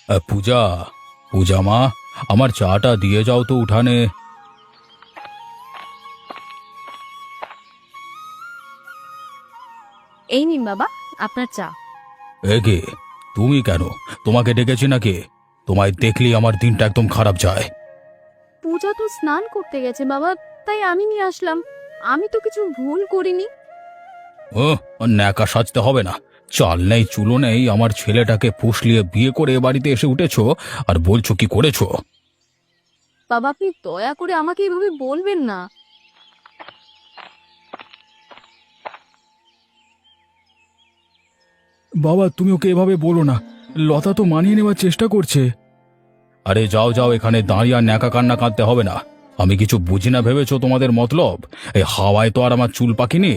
পূজা, পূজা মা, আমার চাটা দিয়ে যাও তো উঠানে। এই নিন বাবা, আপনার চা। এগে, তুমি কেন? তোমাকে ডেকেছি নাকি? তোমায় দেখলেই আমার দিনটা একদম খারাপ যায়। পূজা তো স্নান করতে গেছে বাবা, তাই আমি নিয়ে আসলাম। আমি তো কিছু ভুল করিনি। ও, ন্যাকা সাজতে হবে না। চাল নেই চুলো নেই, আমার ছেলেটাকে ফুসলিয়ে বিয়ে করে এ বাড়িতে এসে উঠেছো আর বলছো কি করেছো। বাবা, আপনি দয়া করে আমাকে এভাবে বলবেন না। বাবা, তুমি ওকে এভাবে বলো না। লতা তো মানিয়ে নেওয়ার চেষ্টা করছে। আরে যাও যাও, এখানে দাঁড়িয়ে আর ন্যাকা কান্না কাঁদতে হবে না। আমি কিছু বুঝি না ভেবেছো তোমাদের মতলব? এই হাওয়ায় তো আর আমার চুল পাকিনি।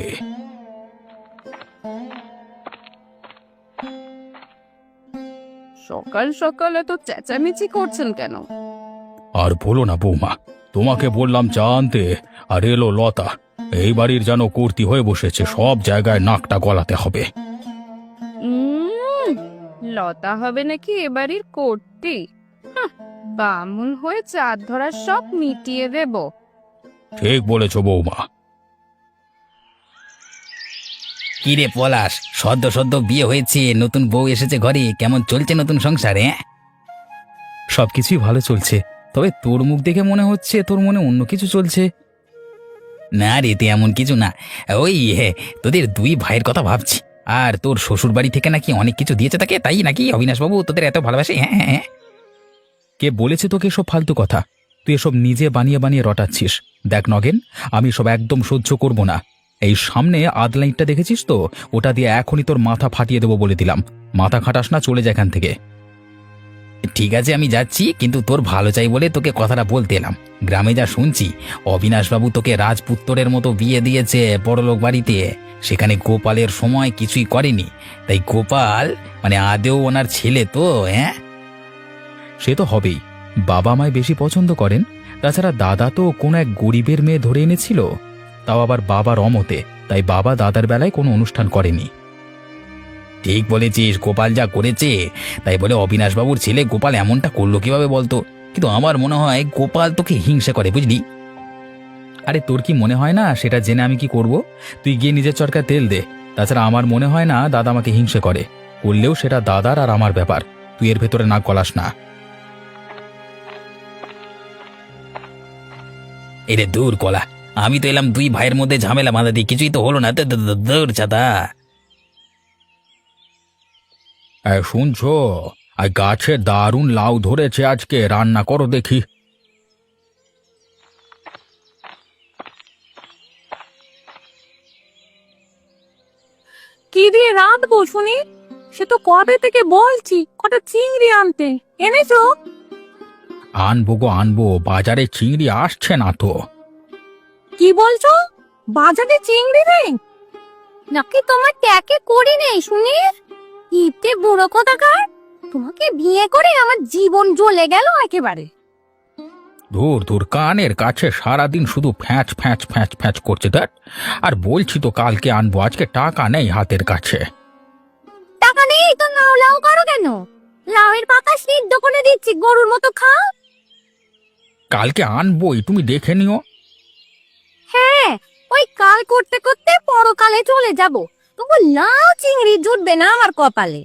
সকাল সকাল এত চেঁচামেচি করছেন কেন? আর বলো না বৌমা, তোমাকে বললাম চা আনতে, আর এলো লতা। এই বাড়ির যেন কর্তি হয়ে বসেছে, সব জায়গায় নাকটা গলাতে হবে। লতা হবে নাকি এবাড়ির কর্তি? বামুন হয়ে চাঁদ ধরার সব মিটিয়ে দেব। ঠিক বলেছ বৌমা। কি রে পলাশ, সদ্য সদ্য বিয়ে হয়েছে, নতুন বউ এসেছে ঘরে, কেমন চলছে নতুন সংসারে? সবকিছুই ভালো চলছে, তবে তোর মুখ দেখে মনে হচ্ছে তোর মনে অন্য কিছু চলছে। না রে, তে এমন কিছু না। ওই তোদের দুই ভাইয়ের কথা ভাবছি। আর তোর শ্বশুর বাড়ি থেকে নাকি অনেক কিছু দিয়েছে তাকে, তাই নাকি অবিনাশবাবু তোদের এত ভালোবাসে? হ্যাঁ হ্যাঁ হ্যাঁ। কে বলেছে তোকে এসব ফালতু কথা? তুই এসব নিজে বানিয়ে বানিয়ে রটাচ্ছিস। দেখ নগেন, আমি সব একদম সহ্য করব না। এই সামনে আদলাইটটা দেখেছিস তো? ওটা দিয়ে এখনই তোর মাথা ফাটিয়ে দেবো বলে দিলাম। মাথা খাটাস না, চলে যায় এখান থেকে। ঠিক আছে, আমি যাচ্ছি, কিন্তু তোর ভালো চাই বলে তোকে কথাটা বলতে এলাম। গ্রামে যা শুনছি, অবিনাশবাবু তোকে রাজপুত্তরের মতো বিয়ে দিয়েছে বড়লোক বাড়িতে। সেখানে গোপালের সময় কিছুই করেনি, তাই গোপাল মানে আদেও ওনার ছেলে তো। হ্যাঁ, সে তো হবেই। বাবা আমায় বেশি পছন্দ করেন। তাছাড়া দাদা তো কোনো এক গরিবের মেয়ে ধরে এনেছিল, তাও আবার বাবার অমতে। তাই বাবা দাদার বেলায় কোনো অনুষ্ঠান করেনি। ঠিক বলেছিস, গোপাল যা করেছে তাই বলে অবিনাশবাবুর ছেলে গোপাল এমনটা করলো কিভাবে বলতো? কিন্তু আমার মনে হয় গোপাল তোকে হিংসা করে, বুঝলি? আরে তোর কি মনে হয় না সেটা জেনে আমি কি করব? তুই গিয়ে নিজের চরকায় তেল দে। তাছাড়া আমার মনে হয় না দাদা আমাকে হিংসে করে। করলেও সেটা দাদার আর আমার ব্যাপার। তুই এর ভেতরে নাক গলাস না। এরে দূর কলা, আমি তো এলাম দুই ভাইয়ের মধ্যে ঝামেলা বাঁধা দিই, কিছুই তো হলো না। দূর চাদা। শুনছো? আর গাছে দারুণ লাউ ধরেছে, আজকে রান্না করো দেখি। কি দিয়ে রাঁধবো শুনি? সে তো কবে থেকে বলছি কটা চিংড়ি আনতে, এনেছো? আনবো গো আনবো, বাজারে চিংড়ি আসছে না তো। কি বলছো? বাজারে চিংড়ি নেই? নাকি তোমার ট্যাকে করি নেই শুনি? ইতে বুড়ো কোথাকার! তোমাকে বিয়ে করে আমার জীবন জ্বলে গেল একেবারে। ধুর ধুর, কানের কাছে সারাদিন শুধু ফ্যাঁচ ফ্যাঁচ ফ্যাঁচ ফ্যাঁচ করছে। দেখ, আর বলছি তো কালকে আনবো, আজকে টাকা নেই হাতের কাছে। টাকা নেই তো লাউ লাউ করো কেন? লাউয়ের পাতা সিদ্ধ করে দিচ্ছি, গরুর মতো খাও। কালকে আনবোই, তুমি দেখে নিও। হ্যাঁ, ওই কাল করতে করতে পরকালে চলে যাব, তবু লাউ চিংড়ি জুটবে না আমার কপালে।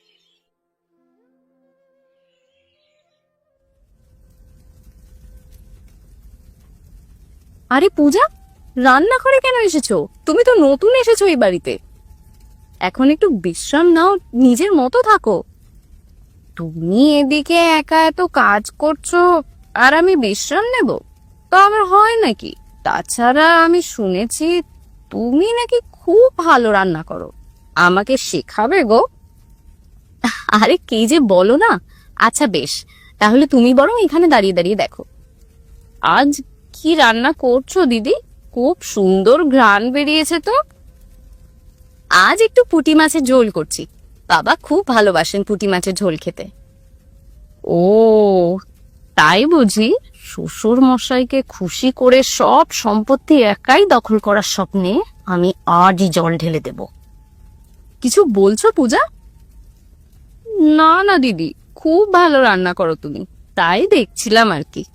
আরে পূজা, রান্নাঘরে কেন এসেছো? তুমি তো নতুন এসেছো এই বাড়িতে। এখন একটু বিশ্রাম নাও, নিজের মতো থাকো। তুমি এদিকে একা এত কাজ করছো আর আমি বিশ্রাম নেব? তো আমার হয় নাকি? তাছাড়া আমি শুনেছি তুমি নাকি খুব ভালো রান্না করো, আমাকে শেখাবে গো? আরে কি যে বলো না। আচ্ছা বেশ, তাহলে তুমি বরং এখানে দাঁড়িয়ে দাঁড়িয়ে দেখো। আজ কি রান্না করছো দিদি? খুব সুন্দর ঘ্রাণ বেরিয়েছে তো। আজ একটু পুঁটি মাছের ঝোল করছি, বাবা খুব ভালোবাসেন পুঁটি মাছের ঝোল খেতে। ও তাই বুঝি? শ্বশুর মশাইকে খুশি করে সব সম্পত্তি একাই দখল করার স্বপ্নে আমি আজই জল ঢেলে দেব। কিছু বলছো পূজা? না না দিদি, খুব ভালো রান্না করো তুমি, তাই দেখছিলাম আর কি।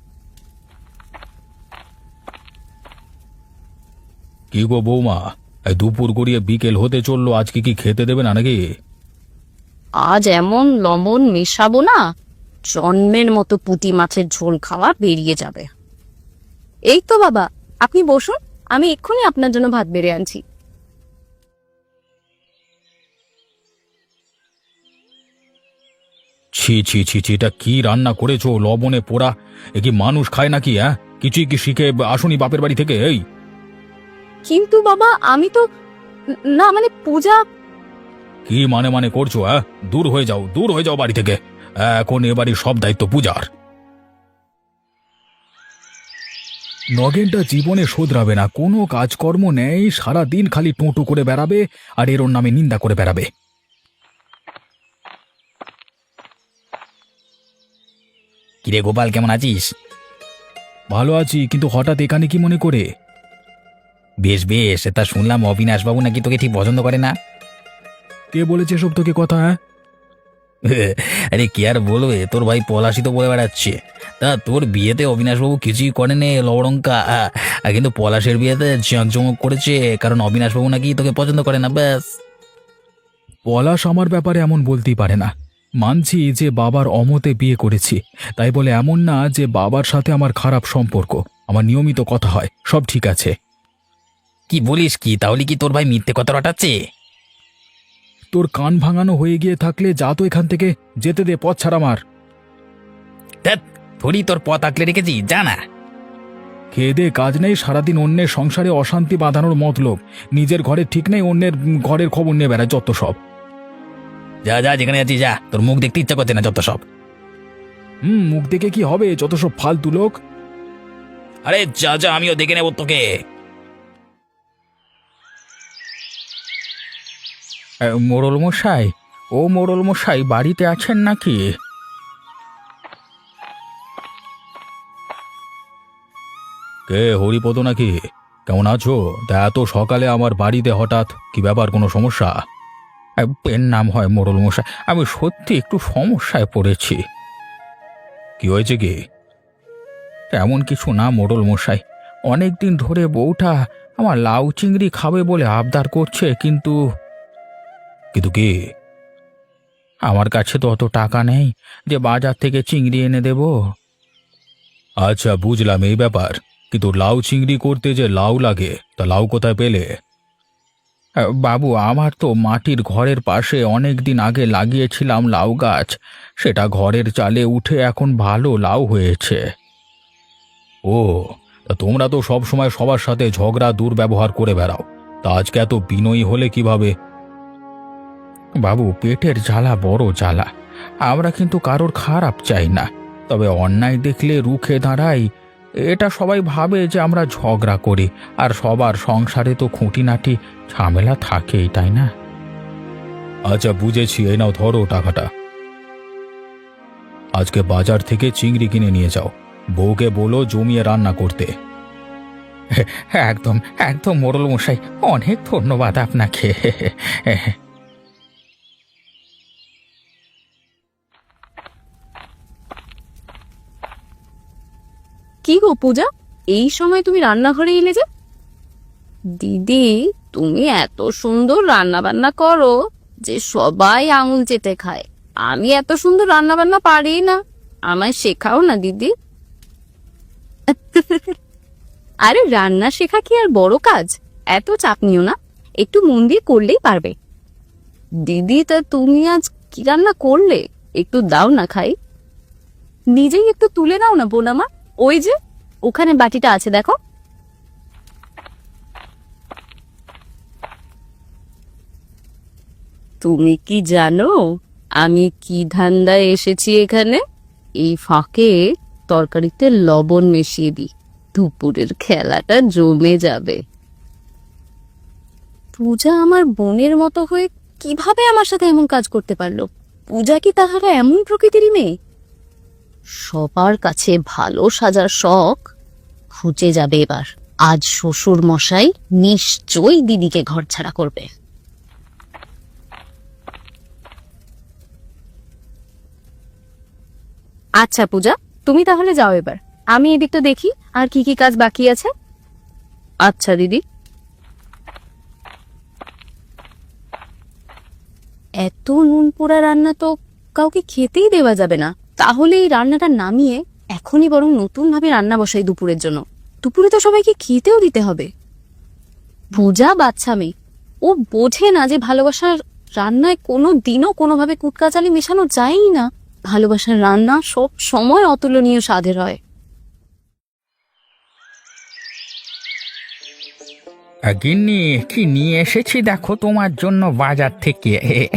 কি গো বৌমা, এই দুপুর গড়িয়ে বিকেল হতে চললো, আজকে কি খেতে দেবে না নাকি? আজ এমন লবণ মেশাবো না, জন্মের মতো পুঁটি মাছের ঝোল খাওয়া বেরিয়ে যাবে। এই তো বাবা, আপনি বসুন, আমি এক্ষুনি আপনার জন্য ভাত বেড়ে আনছি। ছি ছি ছি ছি, এটা কি রান্না করেছো? লবণে পোড়া! এ কি মানুষ খায় নাকি? হ্যাঁ, কিছুই কি শিখে আসুনি বাপের বাড়ি থেকে? এই কিন্তু বাবা আমি তো না মানে পূজা। কি মানে মানে করছো? হ্যাঁ, দূর হয়ে যাও, দূর হয়ে যাও বাড়ি থেকে। এখন এ বাড়ির সব দায়িত্ব পূজার। নগেনটা জীবনে শোধরাবে না, কোনো কাজকর্ম নেই, সারা দিন খালি টোঁটো করে বেড়াবে আর এর ওর নামে নিন্দা করে বেড়াবে। কিরে গোপাল, কেমন আছিস? ভালো আছি, কিন্তু হঠাৎ এখানে কি মনে করে? বেশ বেশ, তা শুনলাম অবিনাশ বাবু নাকি তোকে ঠিক পছন্দ করে না। কে বলেছে সব তোকে কথা? হ্যাঁ, আরে কি আর বলবে, তোর ভাই পলাশই তো বলে বেড়াচ্ছে। তা তোর বিয়েতে অবিনাশবাবু কিছুই করেনি লবড়ঙ্কা, কিন্তু পলাশের বিয়েতে জাঁকজমক করেছে, কারণ অবিনাশবাবু নাকি তোকে পছন্দ করে না, ব্যাস। পলাশ আমার ব্যাপারে এমন বলতেই পারে না। মানছি যে বাবার অমতে বিয়ে করেছি, তাই বলে এমন না যে বাবার সাথে আমার খারাপ সম্পর্ক। আমার নিয়মিত কথা হয়, সব ঠিক আছে। কি বলিস কি? তাহলে কি তোর ভাই মিথ্যে কথা রটাচ্ছে? তোর কান ভাঙানো হয়ে গিয়ে থাকলে যা তো এখান থেকে, যেতে দে, পথ ছাড় আমার। ধ্যাৎ, থোড়ি তোর পথ আঁকলে রেখেছি, যা না। খেয়ে দে কাজ নেই, সারাদিন অন্যের সংসারে অশান্তি বাঁধানোর মতলব। নিজের ঘরে ঠিক নেই, অন্যের ঘরের খবর নিয়ে বেড়ায় যত সব। যা যা, যেখানে আছিস যা, তোর মুখ দেখতে ইচ্ছা করছে না যত সব। মুখ দেখে কি হবে, যত সব ফালতু লোক। আরে যা যা, আমিও দেখে নেব তোকে। মোড়ল মশাই, ও মোড়ল মশাই, বাড়িতে আছেন নাকি? কে, হরিপদ নাকি? কেমন আছো? তা এত সকালে আমার বাড়িতে হঠাৎ, কি ব্যাপার, কোনো সমস্যা? এর নাম হয় মোড়ল মশাই, আমি সত্যি একটু সমস্যায় পড়েছি। কি হয়েছে কি? তেমন কিছু না মোড়ল মশাই, অনেকদিন ধরে বউটা আমার লাউ চিংড়ি খাবে বলে আবদার করছে, কিন্তু কিন্তু কি? আমার কাছে তো অত টাকা নেই যে বাজার থেকে চিংড়ি এনে দেব। আচ্ছা, বুঝলাম এই ব্যাপার, কিন্তু লাউ চিংড়ি করতে যে লাউ লাগে, তা লাউ কোথায় পেলে? বাবু, আমার তো মাটির ঘরের পাশে অনেক দিন আগে লাগিয়েছিলাম লাউ গাছ, সেটা ঘরের চালে উঠে এখন ভালো লাউ হয়েছে। ও, তা তোমরা তো সব সময় সবার সাথে ঝগড়া দুর্ব্যবহার করে বেড়াও, তা আজকে এত বিনয়ী হলে কিভাবে? বাবু, পেটের জ্বালা বড় জ্বালা। আমরা কিন্তু কারোর খারাপ চাই না, তবে অন্যায় দেখলে রুখে দাঁড়াই। এটা সবাই ভাবে যে আমরা ঝগড়া করি, আর সবার সংসারে তো খুঁটিনাটি ঝামেলা থাকেই, তাই না? আচ্ছা বুঝেছি, এই নাও ধরো টাকাটা। আজকে বাজার থেকে চিংড়ি কিনে নিয়ে যাও, বউকে বলো জমিয়ে রান্না করতে। একদম একদম মোড়ল মশাই, অনেক ধন্যবাদ আপনাকে। কি গো পূজা, এই সময় তুমি রান্নাঘরে এলে যে? দিদি, তুমি এত সুন্দর রান্না বান্না করো যে সবাই আঙুল চেটে খায়। আমি এত সুন্দর রান্না বান্না পারি না, আমায় শেখাও না দিদি। আরে রান্না শেখা কি আর বড় কাজ? এত চাপ নিও না, একটু মন দিয়ে করলেই পারবে। দিদি, তা তুমি আজ কি রান্না করলে? একটু দাও না খাই। নিজেই একটু তুলে নাও না বোন আমার, ওই যে ওখানে বাটিটা আছে দেখো। তুমি কি জানো আমি কি ধান্দায় এসেছি এখানে? এই ফাঁকে তরকারিতে লবণ মিশিয়ে দিই, দুপুরের খেলাটা জমে যাবে। পূজা আমার বোনের মতো হয়ে কিভাবে আমার সাথে এমন কাজ করতে পারলো? পূজা কি তাহারা এমন প্রকৃতিরই মেয়ে? সবার কাছে ভালো সাজার শখ খুঁজে যাবে এবার। আজ শ্বশুর মশাই নিশ্চয়ই দিদিকে ঘরছাড়া করবে। আচ্ছা পূজা, তুমি তাহলে যাও এবার, আমি এদিকটা দেখি আর কি কি কাজ বাকি আছে। আচ্ছা দিদি। এত নুন পোড়া রান্না তো কাউকে খেতেই দেওয়া যাবে না। তাহলে এই রান্নাটা নামিয়ে এখনই বরং নতুন ভাবে রান্না বসাই দুপুরের জন্য। দুপুরে তো সবাইকে খেতেও দিতে হবে। পূজা বাচ্চা মেয়ে, ও বোঝে না যে ভালোবাসার রান্নায় কোনো দিনও কোনোভাবে কুটকাচালি মেশানো যায়ই না। ভালোবাসার রান্না সব সময় অতুলনীয় স্বাদের হয়। গিন্নি, কি নিয়ে এসেছি দেখো তোমার জন্য বাজার থেকে।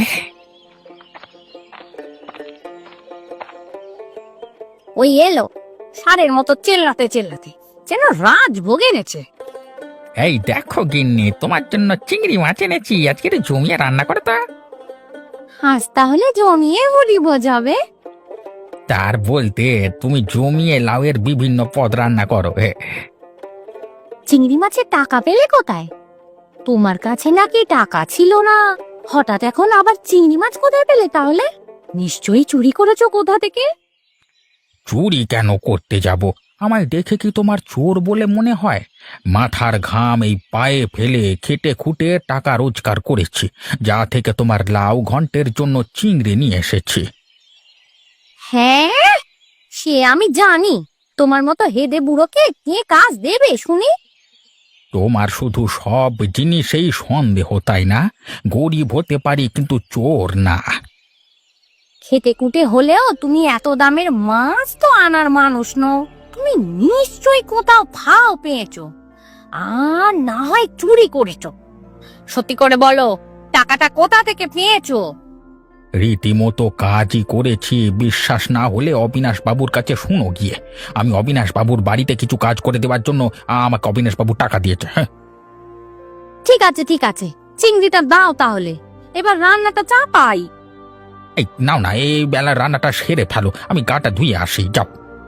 ওই এলো সারের মতো চেল্লাতে চেল্লাতে, যেন রাজভোগ এনেছে। এই দেখো গিন্নি, তোমার জন্য চিংড়ি মাছ এনেছি, আজকে একটু জমিয়ে রান্না করে তো। আজ তাহলে জমিয়ে বলি বোঝাবে। তার বলতে তুমি জমিয়ে লাউয়ের বিভিন্ন পদ রান্না করো। চিংড়ি মাছের টাকা পেলে কোথায়? তোমার কাছে নাকি টাকা ছিল না, হঠাৎ এখন আবার চিংড়ি মাছ কোথায় পেলে তাহলে? নিশ্চয়ই চুরি করেছো কোথা থেকে। চুরি কেন করতে যাব? আমায় দেখে কি তোমার চোর বলে মনে হয়? মাথার ঘাম এই পায়ে ফেলে খেটে খুঁটে টাকা রোজগার করেছি, যা থেকে তোমার লাউ ঘন্টের জন্য চিংড়ি নিয়ে এসেছি। হ্যাঁ, সে আমি জানি। তোমার মতো হেদে বুড়োকে কে কাজ দেবে শুনি? তোমার শুধু সব জিনিসেই সন্দেহ, তাই না? গরিব হতে পারি কিন্তু চোর না। খেতে কুটে হলেও তুমি এত দামের মাছ তো আনার মানুষ নও। তুমি নিশ্চয়ই কোথাও ফাও পেয়েছো, আর না হয় চুরি করেছো। সত্যি করে বলো, টাকাটা কোথা থেকে পেয়েছো? রীতিমতো কাজই করেছি। বিশ্বাস না হলে অবিনাশ বাবুর কাছে শুনো গিয়ে। আমি অবিনাশ বাবুর বাড়িতে কিছু কাজ করে দেওয়ার জন্য আমাকে অবিনাশ বাবু টাকা দিয়েছে। হ্যাঁ, ঠিক আছে ঠিক আছে, চিংড়িটা দাও তাহলে, এবার রান্নাটা চাপাই। এই নাও না, এই বেলা রান্নাটা সেরে ফেলো, আমি গাটা ধুয়ে আসি, যাও।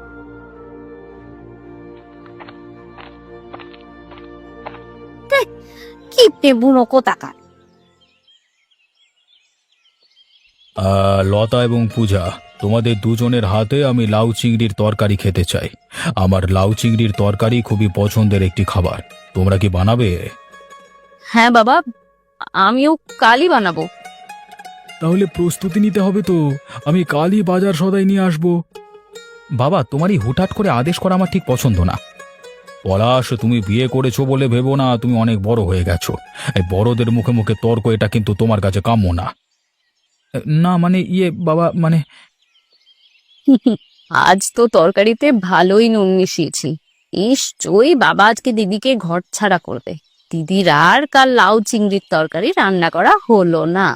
কিপটে বুড়ো কোথাকার। লতা এবং পূজা, তোমাদের দুজনের হাতে আমি লাউ চিংড়ির তরকারি খেতে চাই। আমার লাউ চিংড়ির তরকারি খুবই পছন্দের একটি খাবার। তোমরা কি বানাবে? হ্যাঁ বাবা, আমিও কালই বানাবো। তাহলে প্রস্তুতি নিতে হবে তো। আমি কালই বাজার সদাই নিয়ে আসব। বাবা, তোমারই হুটহাট করে আদেশ করা আমার ঠিক পছন্দ না। পলাশ, তুমি বিয়ে করেছো বলে ভেবো না তুমি অনেক বড় হয়ে গেছো। এই বড়দের মুখে মুখে তর্ক, এটা কিন্তু তোমার কাছে কাম্য না। না মানে বাবা, মানে আজ তো তরকারিতে ভালোই নুন মিশিয়েছি। নিশ্চয়ই বাবা আজকে দিদিকে ঘর ছাড়া করবে। দিদির আর কাল লাউ চিংড়ির তরকারি রান্না করা হলো না।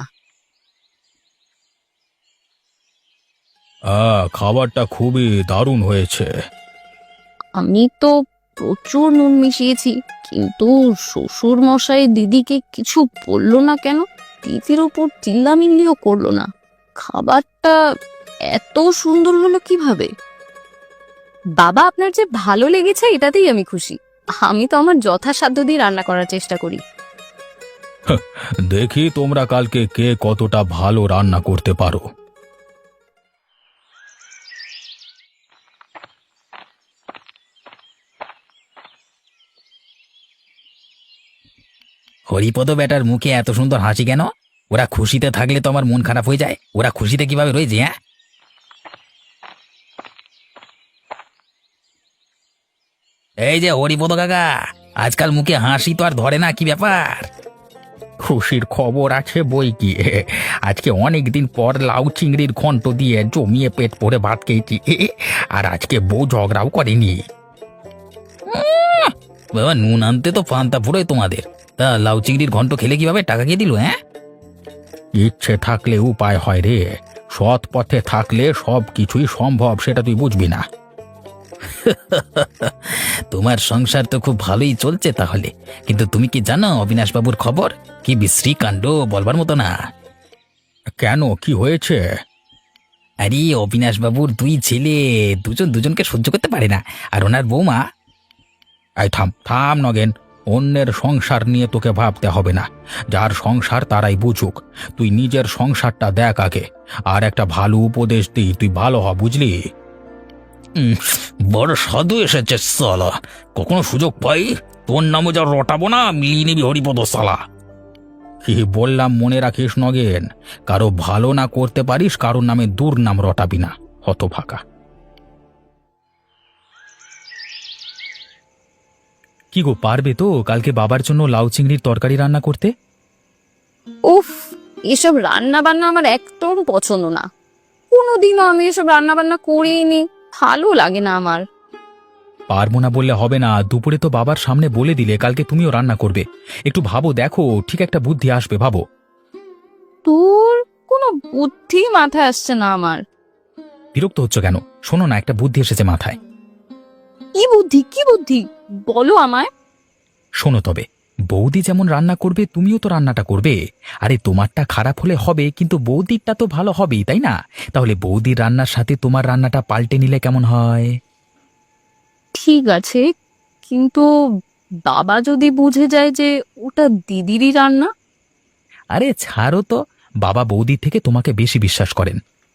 খাবারটা খুবই দারুণ হয়েছে। আমি তো প্রচুর নুন মিশিয়েছি, কিন্তু শ্বশুর মশাই দিদিকে কিছু বললো না কেন? দিদির উপর চিল্লামিল্লিও করলো না। খাবারটা এত সুন্দর হলো কিভাবে? বাবা, আপনার যে ভালো লেগেছে এটাতেই আমি খুশি। আমি তো আমার যথাসাধ্য দিয়ে রান্না করার চেষ্টা করি। দেখি তোমরা কালকে কে কতটা ভালো রান্না করতে পারো। হরিপদ বেটার মুখে এত সুন্দর হাসি কেন? ওরা খুশিতে থাকলে তো আমার মন খারাপ হয়ে যায়। ওরা খুশিতে কিভাবে রয়েছে? হ্যাঁ, এই যে হরিপদ কাকা, আজকাল মুখে হাসি তো আর ধরে না, কি ব্যাপার? খুশির খবর আছে বই কি। আজকে অনেক দিন পর লাউ চিংড়ির ঘন্ট দিয়ে জমিয়ে পেট ভরে ভাত খেয়েছি। আর আজকে বউ ঝগড়াও করেনি। বাবা, নুন আনতে তো পান্তা ফুরোয় তোমাদের। তা লাউ চিংড়ির ঘন্ট খেলে কিভাবে? টাকা কে দিল? হ্যাঁ, ইচ্ছে থাকলে উপায় হয় রে। সৎ পথে থাকলে সব কিছুই সম্ভব, সেটা তুই বুঝবি না। তোমার সংসার তো খুব ভালোই চলছে তাহলে। কিন্তু তুমি কি জানো অবিনাশ বাবুর খবর? কি বিশ্রী কাণ্ড, বলবার মতো না। কেন, কি হয়েছে? আরে অবিনাশ বাবুর দুই ছেলে, দুজন দুজনকে সহ্য করতে পারে না। আর ওনার বৌমা। এই থাম থাম নগেন, অন্যের সংসার নিয়ে তোকে ভাবতে হবে না। যার সংসার তারাই বুঝুক। তুই নিজের সংসারটা দেখ আগে। আর একটা ভালো উপদেশ দিই, তুই ভালো হ, বুঝলি? উম, বড় সাধু এসেছে সালা। কখনো সুযোগ পাই তোর নামে যা রটাবো না, মিলিয়ে নিবি হরিপদ সালা। কি বললাম মনে রাখিস নগেন, কারো ভালো না করতে পারিস, কারোর নামে দুর্নাম রটাবি না, হতভাগা। কি গো, পারবে তো কালকে বাবার জন্য লাউ চিংড়ির তরকারি রান্না করতে? উফ, এসব রান্না বান্না আমার একদম পছন্দ না। কোনোদিনও আমি এসব রান্না বান্না করিনি, ভালো লাগে না আমার। পারবো না বললে হবে না, দুপুরে তো বাবার সামনে বলে দিলে কালকে তুমিও রান্না করবে। একটু ভাবো, দেখো ঠিক একটা বুদ্ধি আসবে, ভাবো। তোর কোনো বুদ্ধি মাথায় আসছে না আমার। বিরক্ত হচ্ছ কেন? শোনো না, একটা বুদ্ধি এসেছে মাথায়। কি বুদ্ধি, কি বুদ্ধি বলো আমায়। শোনো তবে, বৌদি যেমন রান্না করবে তুমিও তো রান্নাটা করবে। আরে তোমারটা খারাপ হলে হবে, কিন্তু বৌদিরটা তো ভালো হবেই, তাই না? তাহলে বৌদির রান্নার সাথে তোমার রান্নাটা পাল্টে নিলে কেমন হয়? ঠিক আছে, কিন্তু বাবা যদি বুঝে যায় যে ওটা দিদিরই রান্না? আরে ছাড়ো তো, বাবা বৌদির থেকে তোমাকে বেশি বিশ্বাস করেন।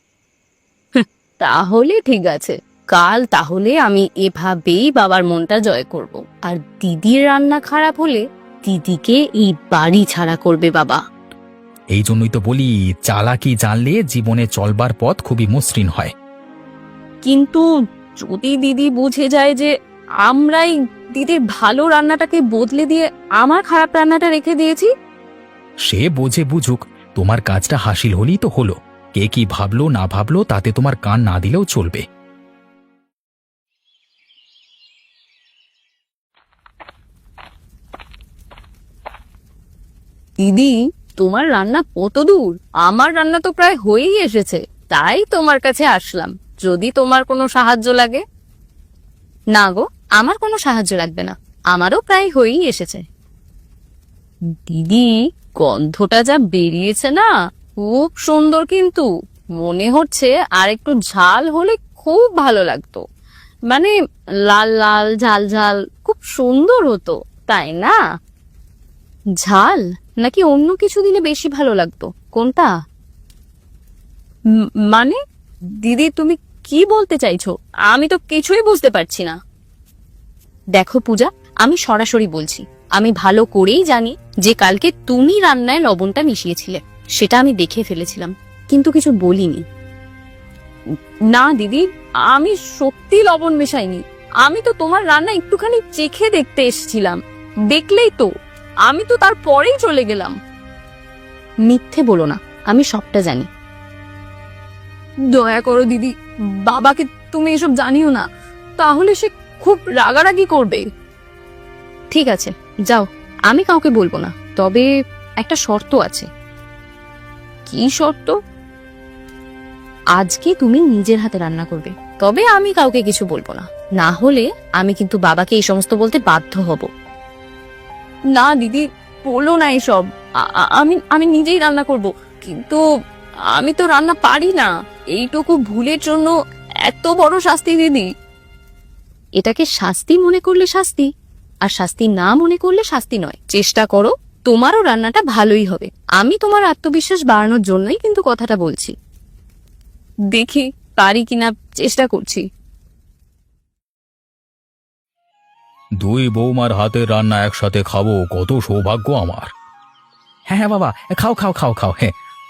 তাহলে ঠিক আছে, কাল তাহলে আমি এভাবেই বাবার মনটা জয় করব। আর দিদির রান্না খারাপ হলে দিদিকে এই বাড়ি ছাড়া করবে বাবা। এই জন্যই তো বলি, চালাকি জানলে জীবনে চলবার পথ খুবই মসৃণ হয়। কিন্তু যদি দিদি বুঝে যায় যে আমরাই দিদির ভালো রান্নাটাকে বদলে দিয়ে আমার খারাপ রান্নাটা রেখে দিয়েছি? সে বোঝে বুঝুক, তোমার কাজটা হাসিল হলেই তো হলো। কে কি ভাবলো না ভাবলো তাতে তোমার কান না দিলেও চলবে। দিদি, তোমার রান্না কত দূর? আমার রান্না তো প্রায় হয়েই এসেছে, তাই তোমার কাছে আসলাম, যদি তোমার কোনো সাহায্য লাগে। না গো, আমার কোনো সাহায্য লাগবে না, আমারও প্রায় হয়েই এসেছে। দিদি, গন্ধটা যা বেরিয়েছে না, খুব সুন্দর, কিন্তু মনে হচ্ছে আর একটু ঝাল হলে খুব ভালো লাগতো। মানে লাল লাল ঝাল ঝাল খুব সুন্দর হতো, তাই না? ঝাল নাকি অন্য কিছু দিলে বেশি ভালো লাগতো, কোনটা? মানে দিদি, তুমি কি বলতে চাইছো? আমি তো কিছুই বুঝতে পারছি না। দেখো পূজা, আমি সরাসরি বলছি, আমি ভালো করেই জানি যে কালকে তুমি রান্নায় লবণটা মিশিয়েছিলে, সেটা আমি দেখে ফেলেছিলাম, কিন্তু কিছু বলিনি। না দিদি, আমি সত্যি লবণ মেশাইনি। আমি তো তোমার রান্না একটুখানি চেখে দেখতে এসেছিলাম, দেখলেই তো, আমি তো তারপরেই চলে গেলাম। মিথ্যে বলো না, আমি সবটা জানি। দয়া করো দিদি, বাবাকে তুমি এসব জানিও না, তাহলে সে খুব রাগারাগি করবে। ঠিক আছে, যাও, আমি কাউকে বলবো না, তবে একটা শর্ত আছে। কি শর্ত? আজকে তুমি নিজের হাতে রান্না করবে, তবে আমি কাউকে কিছু বলবো না, না হলে আমি কিন্তু বাবাকে এই সমস্ত বলতে বাধ্য হব। না দিদি, বলো না এসব। আমি আমি নিজেই রান্না করব, কিন্তু আমি তো রান্না পারি না। এইটুকু ভুলের জন্য এত বড় শাস্তি দিদি? এটাকে শাস্তি মনে করলে শাস্তি, আর শাস্তি না মনে করলে শাস্তি নয়। চেষ্টা করো, তোমারও রান্নাটা ভালোই হবে। আমি তোমার আত্মবিশ্বাস বাড়ানোর জন্যই কিন্তু কথাটা বলছি। দেখি পারি কিনা, চেষ্টা করছি। দুই বৌমার হাতের রান্না একসাথে খাবো, কত সৌভাগ্য আমার। হ্যাঁ হ্যাঁ বাবা, খাও খাও খাও খাও। হ্যাঁ,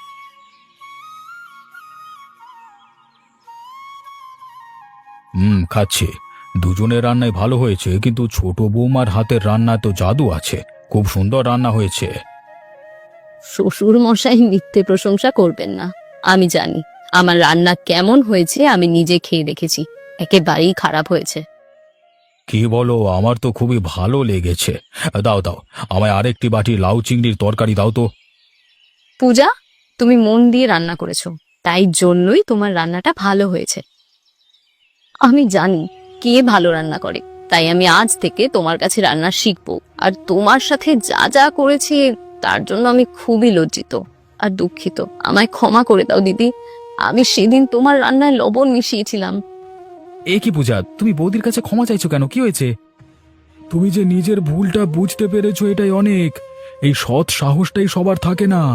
খাচ্ছি। দুজনের রান্নাই ভালো হয়েছে, কিন্তু ছোট বৌমার হাতের রান্না তো জাদু আছে, খুব সুন্দর রান্না হয়েছে। শ্বশুর মশাই মিথ্যে প্রশংসা করবেন না। আমি জানি আমার রান্না কেমন হয়েছে, আমি নিজে খেয়ে দেখেছি, একেবারেই খারাপ হয়েছে। কি বলো, আমার তো খুবই ভালো লেগেছে। দাও দাও, আমায় আরেকটি বাটি লাউ চিংড়ির তরকারি দাও তো। পূজা, তুমি মন দিয়ে রান্না করেছো, তাই জন্যই তোমার রান্নাটা ভালো হয়েছে। আমি জানি কে ভালো রান্না করে, তাই আমি আজ থেকে তোমার কাছে রান্না শিখবো। আর তোমার সাথে যা যা করেছি তার জন্য আমি খুবই লজ্জিত আর দুঃখিত। আমায় ক্ষমা করে দাও দিদি, আমি সেদিন তোমার রান্নায় লবণ মিশিয়েছিলাম। এ কি পূজা, তুমি বৌদির কাছে ক্ষমা চাইছো কেন? কি হয়েছে? তুমি যে নিজের ভুলটা বুঝতে পেরেছো, এটাই অনেক। এই সৎ সাহসটাই সবার থাকে না।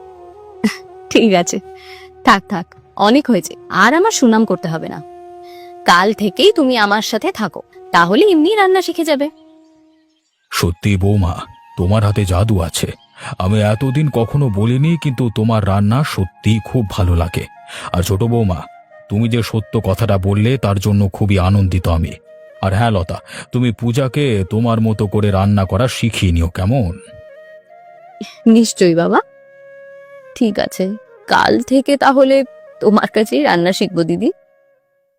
ঠিক আছে, থাক থাক, অনেক হয়েছে, আর আমার সুনাম করতে হবে না। কাল থেকেই তুমি আমার সাথে থাকো, তাহলে এমনি রান্না শিখে যাবে। সত্যি বৌমা, তোমার হাতে জাদু আছে। আমি এতদিন কখনো বলিনি, কিন্তু তোমার রান্না সত্যি খুব ভালো লাগে। আর ছোট বৌমা, তুমি যে সত্য কথাটা বললে তার জন্য খুবই আনন্দিত আমি। আর হ্যাঁ লতা, তুমি পূজাকে তোমার মতো করে রান্না করা শিখিয়ে নিও, কেমন? নিশ্চয়ই বাবা। ঠিক আছে, কাল থেকে তাহলে তোমার কাছেই রান্না শিখবো দিদি।